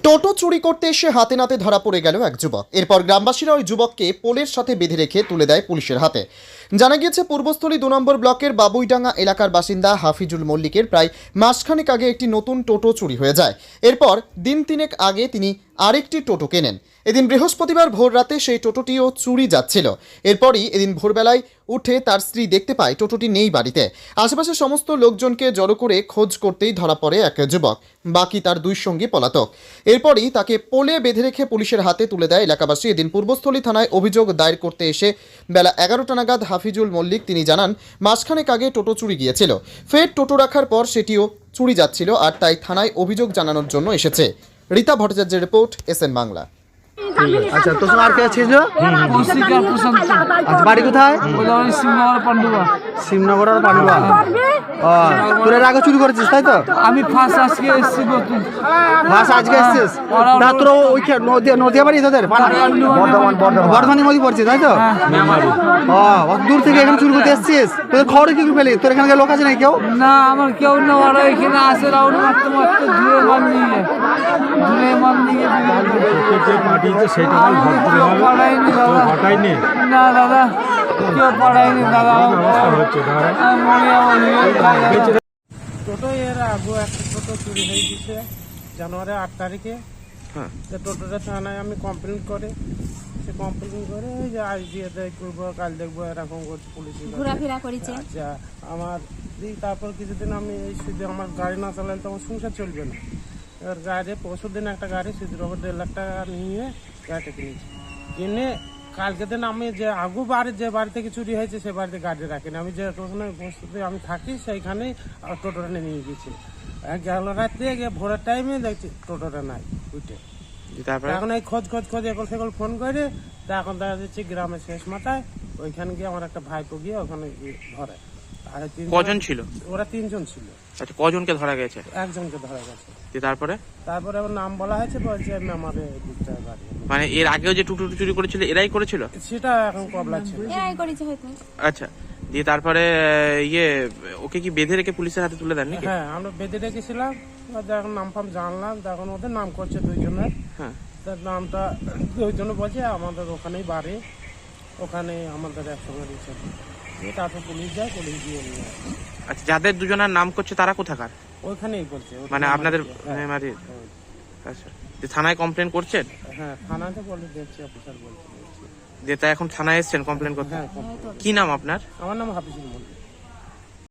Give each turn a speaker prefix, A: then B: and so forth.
A: টোটো চুরি করতে এসে হাতে নাতে ধরা পড়ে গেল এক যুবক। এরপর গ্রামবাসীরা ওই যুবককে পোলের সাথে বেঁধে রেখে তুলে দেয় পুলিশের হাতে। জানা গিয়েছে পূর্বস্থলী 2 নম্বর ব্লকের বাবুইডাঙ্গা এলাকার বাসিন্দা হাফিজুল মল্লিকের প্রায় মাসখানেক আগে একটি নতুন টোটো চুরি হয়ে যায়। এরপর দিন তিনেক আগে তিনি আরেকটি টোটো কেনেন। এদিন বৃহস্পতিবার ভোর রাতে সেই টোটোটিও চুরি যাচ্ছিল। এরপরই এদিন ভোরবেলায় উঠে তার স্ত্রী দেখতে পায় টোটোটি নেই বাড়িতে। আশেপাশের সমস্ত লোকজনকে জড়ো করে খোঁজ করতেই ধরা পড়ে এক যুবক, বাকি তার দুই সঙ্গী পলাতক। এরপরই তাকে পোলে বেঁধে রেখে পুলিশের হাতে তুলে দেয় এলাকাবাসী। এদিন পূর্বস্থলী থানায় অভিযোগ দায়ের করতে এসে বেলা 11টা নাগাদ হাফিজুল মল্লিক তিনি জানান, মাসখানেক আগে টোটো চুরি গিয়েছিল, ফের টোটো রাখার পর সেটিও চুরি যাচ্ছিল, আর তাই থানায় অভিযোগ জানানোর জন্য এসেছে। রীতা ভট্টাচার্যের রিপোর্ট, এসএন বাংলা।
B: আচ্ছা, তোর সঙ্গে আর কে ছিল? আচ্ছা, বাড়ি কোথায়? শিবনগর আর পান্ডুয়া। তোর এর আগে চুরি করেছিস তাই তো?
C: আমি ফার্স্ট আজকে এসেছি নতুন।
B: ফার্স্ট আজকে এসেছিস না? তোর ওই নদিয়া বাড়ি তোদের? বর্ধমানের মধ্যে পড়ছিস তাই তো? অত দূর থেকে এখানে চুরি করতে এসেছিস? তোদের খবরে কি পেলি? তোর এখানকার লোক আছে নাকি কেউ?
C: না, আমার কেউ না, ওরা এখানে আসে রাউন্ড মারতে মারতে ধুয়ে মান নিয়ে না দাদা, কেউ পড়ায়নি দাদা।
D: টোটো এর আগে একটা টোটো চুরি হয়ে গেছে জানুয়ারি 8 তারিখে। তো টোটোটা থানায় আমি কমপ্লেন করে এই যে আজ দিয়ে দেখবো কাল দেখবো এরকম করছে, পুলিশ
E: ঘোরাফেরা করেছে।
D: আচ্ছা, আমার তারপর কিছুদিন আমি এই শুধু আমার গাড়ি না চালালে তো আমার সংসার চলবে না। এবার গাড়ি পরশু দিন একটা গাড়ি সুদের ওপর 1.5 লাখ টাকা নিয়ে গাড়িটা কিনেছি। কিনে কালকে দিন আমি যে আগু বাড়ি যে বাড়ি থেকে চুরি হয়েছে সে বাড়িতে গাড়ি রাখিনি, আমি যে ওখানে বসতে আমি থাকি সেইখানেই টোটোটা নিয়ে গেছি। গেল রাত্রে গিয়ে ভোরের টাইমে দেখছি টোটোটা নাই উঠে। এখন এই খোঁজ এখন সেগুলো ফোন করে, তা এখন দেখা যাচ্ছে গ্রামের শেষ মাথায় ওইখানে গিয়ে আমার একটা ভাইপো গিয়ে ওখানে ধরে। আর
F: কজন ছিল?
D: ওরা 3 জন ছিল।
F: আচ্ছা, কজনকে ধরা গেছে?
D: একজনকে ধরা গেছে।
F: তারপরে
D: আবার নাম বলা হয়েছে, বলছে আমি আমার দিকটা গাড়ি।
F: মানে এর আগেও যে টুটু চুরি করেছিল এরাই করেছিল?
D: সেটা এখন কবলা ছিল।
E: এরাই করেছে হয়তো।
F: আচ্ছা, দিয়ে তারপরে ওকে কি বেঁধে রেখে পুলিশের হাতে তুলে দেন নাকি?
D: হ্যাঁ, আমরা বেঁধে রেখেছিলাম। যখন নাম ফাম জানলাম তখন ওদের নাম করছে 2 জনের।
F: হ্যাঁ,
D: তার নামটা 2 জন বলছে আমাদের ওখানেই বাড়ি, ওখানে আমাদের একসঙ্গে দিচ্ছে। তারপর পুলিশ যায়, পুলিশ দিয়ে নিয়ে আসে।
F: আচ্ছা, যাদের দুজনের নাম করছে তারা কোথাকার?
D: ওইখানেই বলছে
F: মানে আপনাদের মেমারির? আচ্ছা, থানায় কমপ্লেন করছেন?
D: হ্যাঁ, থানাতে বলে দেখছি, অফিসার বলছে।
F: যে তা এখন থানায় এসছেন কমপ্লেন করতে?
D: হ্যাঁ,
F: কি নাম আপনার?
D: আমার নাম হাফিজুল মল্লিক।